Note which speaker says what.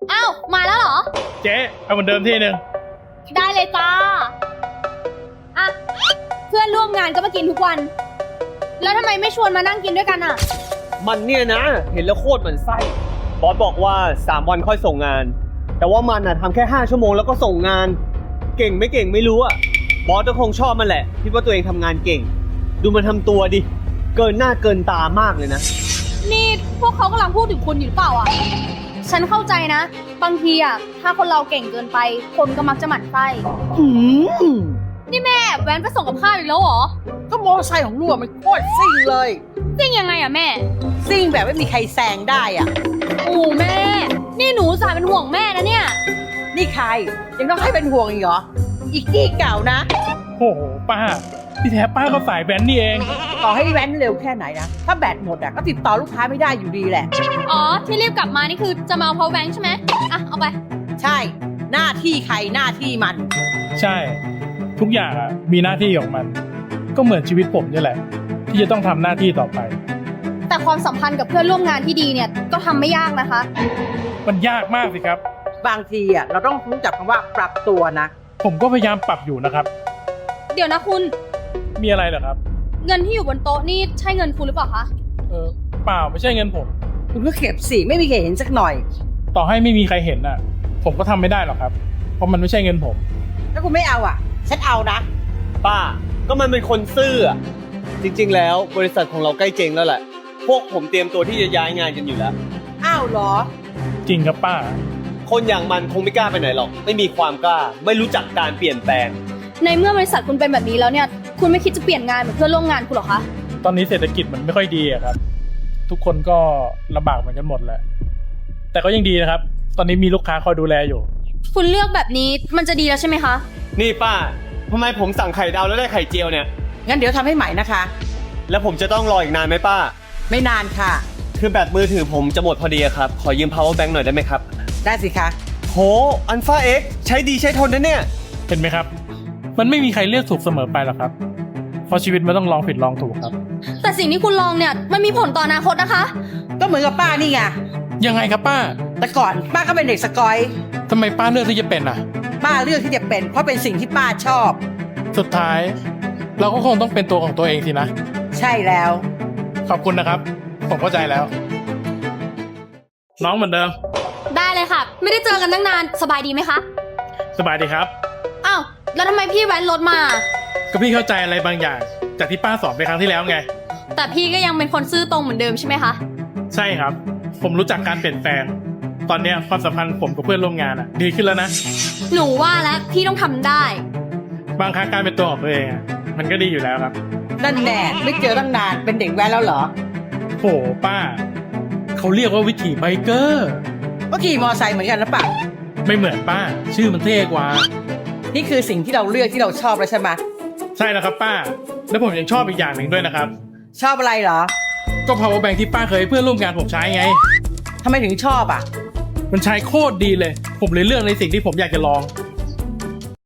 Speaker 1: อ้าวมาแล้วเหรอ
Speaker 2: เจ๊เอาเหมือนเดิมที่หนึ่ง
Speaker 1: ได้เลยจ้าอ่ะเพื่อนร่วมงานก็มากินทุกวัน แล้วทำไมไม่ชวนมานั่งกินด้วยกันอ่ะ
Speaker 3: มันเนี่ยนะเห็นแล้วโคตรเหมือนไส้บอสบอกว่า3 วันค่อยส่งงานแต่ว่ามันทำแค่5 ชั่วโมงแล้วก็ส่งงานเก่งไม่เก่งไม่รู้อะบอสก็คงชอบมันแหละคิดว่าตัวเองทำงานเก่งดูมันทำตัวดิเกินหน้าเกินตามากเลยนะ
Speaker 1: นี่พวกเขากำลังพูดถึงคุณอยู่หรือเปล่าอ่ะฉันเข้าใจนะบางทีอ่ะถ้าคนเราเก่งเกินไปคนก็มักจะหมั่นไส้นี่แม่แว้นไปส่งกับข้าวอีกแล้วเหรอ
Speaker 4: ก็มอไซค์ของลูกมันโคตรซิ่งเลย
Speaker 1: ซิ่งยังไงอ่ะแม่
Speaker 4: ซิ่งแบบไม่มีใครแซงได้อ่ะ
Speaker 1: โอ้แม่นี่หนูสายเป็นห่วงแม่นะเนี่ย
Speaker 4: นี่ใครยังต้องให้เป็นห่วงอีกเหรออีกกี้เก่านะ
Speaker 2: โอ้โหป้าที่แท้ป้าก็สายแบนนี่เอง
Speaker 4: ต่อให้แว้นเร็วแค่ไหนนะถ้าแบตหมดอ่ะก็ติดต่อลูกค้าไม่ได้อยู่ดีแหละ
Speaker 1: อ๋อที่รีบกลับมานี่คือจะมาเอา power bank ใช่ไหมอ่ะเอาไป
Speaker 4: ใช่หน้าที่ใครหน้าที่มัน
Speaker 2: ใช่ทุกอย่างอะมีหน้าที่ของมันก็เหมือนชีวิตผมนี่แหละที่จะต้องทำหน้าที่ต่อไป
Speaker 1: แต่ความสัมพันธ์กับเพื่อนร่วมงานที่ดีเนี่ยก็ทำไม่ยากนะคะ
Speaker 2: มันยากมากสิครับ
Speaker 4: บางทีอ่ะเราต้องรู้จักคำว่าปรับตัวนะ
Speaker 2: ผมก็พยายามปรับอยู่นะครับ
Speaker 1: เดี๋ยวนะคุณ
Speaker 2: มีอะไรเหรอครับ
Speaker 1: เงินที่อยู่บนโต๊ะนี่ใช่เงินคุณหรือเปล่าคะ
Speaker 2: เปล่าไม่ใช่เงินผม
Speaker 4: คุณก็เก็บสิไม่มีใครเห็นสักหน่อย
Speaker 2: ต่อให้ไม่มีใครเห็นน่ะผมก็ทำไม่ได้หรอกครับเพราะมันไม่ใช่เงินผม
Speaker 4: ถ้าคุณไม่เอาอ่ะฉันเอานะ
Speaker 3: ป้าก็มันเป็นคนซื่ออะจริงๆแล้วบริษัทของเราใกล้เจ๊งแล้วแหละพวกผมเตรียมตัวที่จะย้ายงานกันอยู่แล้ว
Speaker 4: อ้าวเหรอ
Speaker 2: จริงครับป้า
Speaker 3: คนอย่างมันคงไม่กล้าไปไหนหรอกไม่มีความกล้าไม่รู้จักการเปลี่ยนแปลง
Speaker 1: ในเมื่อบริษัทคุณเป็นแบบนี้แล้วเนี่ยคุณไม่คิดจะเปลี่ยนงานเหมือนเพื่อนร่วมงานคุณหรอคะ
Speaker 2: ตอนนี้เศรษฐกิจมันไม่ค่อยดีอะครับทุกคนก็ลำบากเหมือนกันหมดแหละแต่ก็ยังดีนะครับตอนนี้มีลูกค้าคอยดูแลอยู่
Speaker 1: คุณเลือกแบบนี้มันจะดีแล้วใช่ไหมคะ
Speaker 3: นี่ป้าทำไมผมสั่งไข่ดาวแล้วได้ไข่เจียวเนี่ย
Speaker 4: งั้นเดี๋ยวทำให้ใหม่นะคะ
Speaker 3: แล้วผมจะต้องรออีกนานไหมป้า
Speaker 4: ไม่นานค่ะ
Speaker 3: คือแบตมือถือผมจะหมดพอดีครับขอยืม power bank หน่อยได้ไหมครับ
Speaker 4: ได้สิคะ
Speaker 3: โห Alpha X ใช้ดีใช้ทนนะเนี่ย
Speaker 2: เห็นไหมครับมันไม่มีใครเลือกถูกเสมอไปหรอกครับเพราะชีวิตมันต้องลองผิดลองถูกครับ
Speaker 1: แต่สิ่งที่คุณลองเนี่ยมันมีผลต่ออนาคตนะคะ
Speaker 4: ก็เหมือนกับป้านี่ไง
Speaker 2: ยังไงครับป้า
Speaker 4: แต่ก่อนป้าก็เป็นเด็กสกอย
Speaker 2: ทำไมป้าเลือกที่จะเป็นอ่ะ
Speaker 4: ป้าเลือกที่จะเป็นเพราะเป็นสิ่งที่ป้าชอบ
Speaker 2: สุดท้ายเราก็คงต้องเป็นตัวของตัวเองสินะ
Speaker 4: ใช่แล้ว
Speaker 2: ขอบคุณนะครับผมเข้าใจแล้วน้องเหมือนเดิม
Speaker 1: ได้เลยค่ะไม่ได้เจอกันตั้งนานสบายดีไหมคะ
Speaker 2: สบายดีครับ
Speaker 1: อ้าวแล้วทำไมพี่แว้นรถมา
Speaker 2: ก็พี่เข้าใจอะไรบางอย่างจากที่ป้าสอนไปครั้งที่แล้วไง
Speaker 1: แต่พี่ก็ยังเป็นคนซื่อตรงเหมือนเดิมใช่ไหมคะ
Speaker 2: ใช่ครับผมรู้จักการเปลี่ยนแปลงตอนนี้ความสัมพันธ์ผมกับเพื่อนร่วมงานดีขึ้นแล้วนะ
Speaker 1: หนูว่าแล้วพี่ต้องทำได้
Speaker 2: บางครั้งการเป็นตัวของตัวเองมันก็ดีอยู่แล้วครับ
Speaker 4: นั่นแน่ไม่เจอตั้งนานเป็นเด็กแว้นแล้วเหรอ
Speaker 2: โหป้าเขาเรียกว่าวิถีไบเกอร์
Speaker 4: ก็ขี่มอไซค์เหมือนกันนะป่ะ
Speaker 2: ไม่เหมือนป้าชื่อมันเท่กว่า
Speaker 4: นี่คือสิ่งที่เราเลือกที่เราชอบแล้วใช่ไหม
Speaker 2: ใช่แล้วครับป้าแล้วผมยังชอบอีกอย่างหนึ่งด้วยนะครับ
Speaker 4: ชอบอะไรเหรอ
Speaker 2: ก็ power bank ที่ป้าเคยให้เพื่อนร่วมงานผมใช้ไง
Speaker 4: ทำไมถึงชอบอ่ะ
Speaker 2: มันใช้โคตรดีเลยผมเลยเลือกในสิ่งที่ผมอยากจะลอง